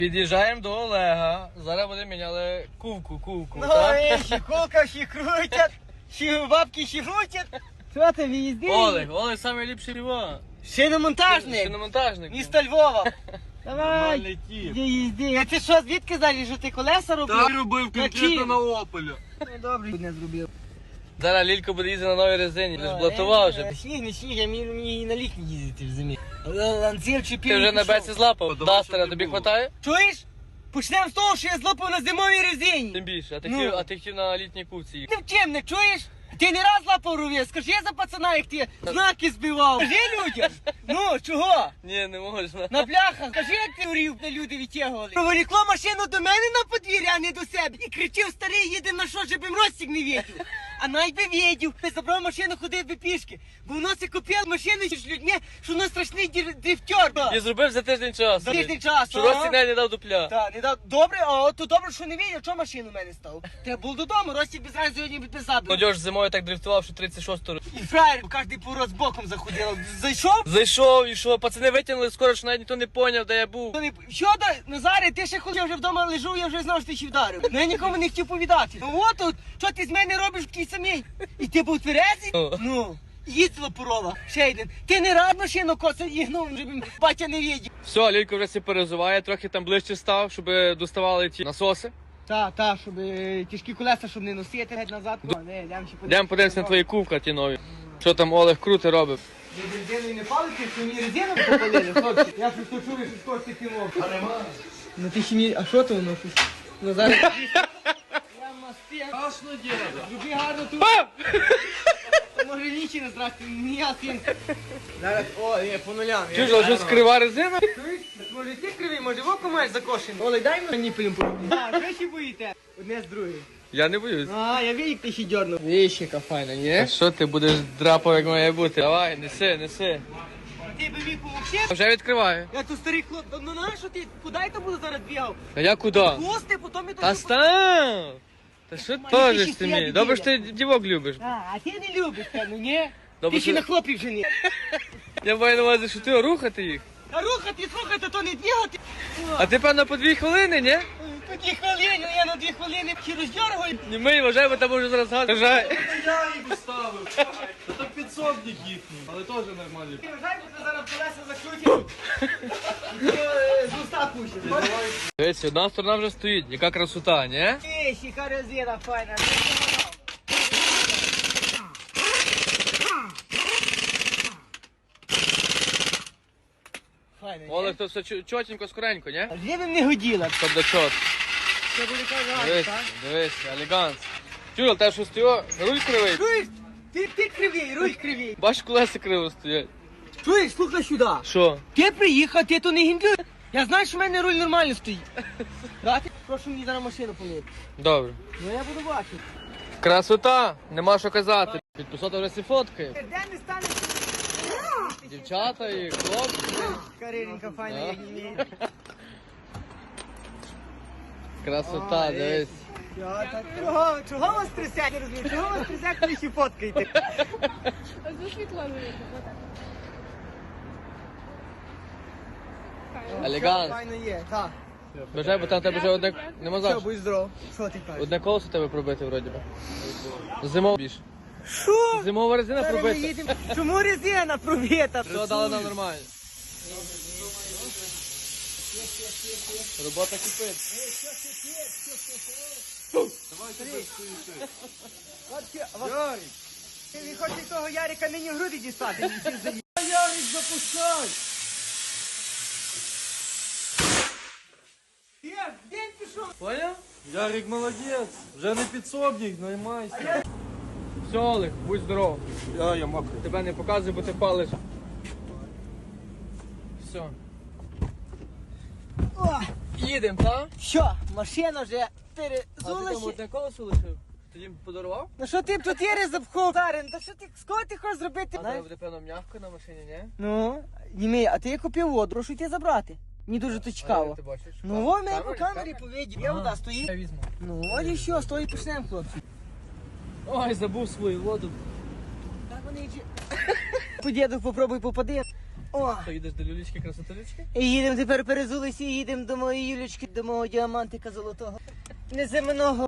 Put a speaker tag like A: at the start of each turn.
A: Під'їжджаємо до Олега. Зараз будемо міняли кувку.
B: Ну,
A: Так?
B: ще кулка, ще крутять, ще бабки ще крутять. Що ти виїзди?
A: Олег найліпший його.
B: Шиномонтажник.
A: Шиномонтажник.
B: Місто Львова. Давай,
A: Нормальний тіп.
B: їзди. А ти що, звідки знаєш, що ти колеса робив?
C: Так робив
B: Які?
C: конкретно на Опелі.
B: Ну, добре, не зробив.
A: Зараз Лілько буде їздити на новій резині. Ти ж блатував вже.
B: Сніг, не сніг, я мені на літній їздити в зимі. Ланців чіпів.
A: Ти вже на беці злапав.
C: Давай,
A: Дастера
C: щоб не
A: тобі
C: було.
A: хватає?
B: Чуєш? Почнемо з того, що я злопав на зимовій резині.
A: Тим більше.
B: Ну.
A: А ти хотів на літній кувці їхати.
B: Ти в чим, не чуєш? Ти не раз лапав рув'я, скажи за пацана, як ти знаки збивав. Скажи людям. Ну, чого?
A: Ні, не можна.
B: На бляхах, скажи, як ти урів, де люди відтягували. Проволікло машину до мене на подвір'я, а не до себе. І кричив, старий, їде на що, щоб їм розсік не відів. А навіть би відів. Ти забрав машину, ходив би пішки. Бо воно се купив машину з людьми, що воно страшний дрифтер.
A: І зробив за тиждень часу.
B: За тиждень часу,
A: Що
B: ага.
A: Рості не дав дупля.
B: Так, не дав. Добре, а то добре, що не відів, що машину в мене став. Треба було додому, Ростік без разу сьогодні підписав.
A: Молодіж зимою так дрифтував, що 36-го.
B: І фраєр, кожний пород з боком заходив. Зайшов?
A: Зайшов і що, пацани витягнули скоро, що навіть ніхто не поняв, де я був.
B: Що до Назаре, ти ще ходив, я вже вдома лежу, я вже знав, що ти ще вдарив. Ну я нікому не хотів повідати. Ну от тут, що ти з мене робиш такий самий? І ти був тверезий?
A: О.
B: Ну, їздила порова, ще один. Ти не рад машину коса їгнув, щоб батя не відів.
A: Все, Лілько вже все перезуває, трохи там ближче став, щоб доставали ті насоси.
B: Та, щоб тяжкі колеса, щоб не носити геть назад.
A: Йдемо подивимося на твої кувка ті нові. Що там Олег круто робив.
B: Ви резиною не палите, що мені резину попалили, хлопці? Я щось то чую, що скоро таки мов. А нема. Ну ти ще мені, а що то воно щось? Ну зараз. Я мастив.
C: Страшно діло.
B: Люби гарно тут. Може лічі не здрасти, не я син. Зараз, по нулям.
A: Чуєш, а що скрива резина?
B: Чуєш? Може ти кривий, може в око маєш закошений. Олег, дай мені пилюм поробити. Так, ви ще боїте? Одне з другим.
A: Я не боюсь.
B: А, я вірю, ти ще дьорнув. Віщика файна,
A: А
B: ні?
A: що ти будеш драпав, як має бути? Давай, неси.
B: Ти би міг помогти?
A: Вже відкриваю.
B: Я тут старий хлоп, ну на що ти, куди я там буду зараз бігав?
A: А я куди?
B: Гости, потім я
A: Та
B: тут...
A: став! Та що
B: Мені
A: теж
B: ще
A: ти
B: стоять
A: мій? Добре, що ти дівок любиш.
B: А ти не любиш, певно, ні?
A: Добре,
B: Ти ще
A: що-
B: на хлопів жені.
A: Я маю на увазі, що ти рухати їх.
B: А рухати, слухати, то не бігати.
A: А ти, певно, по 2 хвилини, ні?
B: По 2 хвилини, я на 2 хвилини ще роздергаю.
A: Ні, ми вважай, бо там може зараз газ. Вважай.
C: Я їх ставив. Це підсобник їхній, але теж нормальний.
B: Ти вважай, бо ти зараз колеса закрутиш. І ти з уста пустиш.
A: Дивись, одна сторона вже стоїть. Яка красота, ні?
B: Ти, ще резина файна. Файна, ні?
A: Олег, то все чотенько, скоренько, ні?
B: Вже б не годіла.
A: Щоб до чот.
B: Це буде казати,
A: Дивись,
B: так?
A: дивись, елеганс. Чуєш, те, що стоїть, руль кривий.
B: Чуєш? Ти кривий, руль кривий.
A: Бачиш, колеса криво стоять.
B: Чуєш, слухай сюди.
A: Що?
B: Ти приїхав, ти то не гімблюй. Я знаю, що в мене руль нормально стоїть. Дати? Прошу мені зараз машину помити.
A: Добре.
B: Ну я буду бачити.
A: Красота, нема що казати. Підписати вже всі фоткає.
B: Де не стане?
A: Дівчата і хлопці.
B: Кариненька файна,
A: Да.
B: як не
A: Красота, дивись.
B: Чого вас трясять, не розумію? Чого вас трясять, коли ще фоткаєте?
D: Ось світло виїхав, отак.
A: Елеганс.
B: Файно є, так.
A: Бажай, бо там в тебе вже одне... Нема
B: Все,
A: за що.
B: будь здоров. Що ти кажеш?
A: Одне колесо тебе пробити вроді би. Зимова більше.
B: Що?
A: Зимова резина
B: Зараз ми
A: пробита.
B: їдемо. Чому резина пробита?
A: Все дали нам нормально. Робота кипить.
B: Ярик! Він хоче того Ярика нині в груди дістати.
C: Ярик, запускай!
B: День пішов.
A: Поняв?
C: Ярик молодець, вже не підсобник, наймайся.
A: Все, Олег, будь здоров.
C: Я мокрий.
A: Тебе не показуй, бо ти палиш. Все. Їдемо, так?
B: Що, машина вже
A: А ти там
B: перезулася?
A: одне колесо лишив? Ти їм подарував?
B: Ну що ти тут є запхов? Дарин, та що ти, з кого ти хочеш зробити?
A: А тебе буде, певно, м'явка на машині, ні?
B: Ну, Німей, а ти я купив воду, прошу йти забрати. Мені дуже то
A: А
B: цікаво.
A: як ти бачиш?
B: Ну, во, мене по камері повідів. Я вода стоїть.
A: Я візьму.
B: Ну, от і що, стой, почнемо, хлопці.
A: Ой, забув свою воду.
B: Так вони вже... По діду попробуй попади. О,
A: Що, їдеш до люлічки, красотулічки?
B: і їдемо тепер перезулися і їдемо до моєї Юлічки, до мого діамантика золотого. Неземного.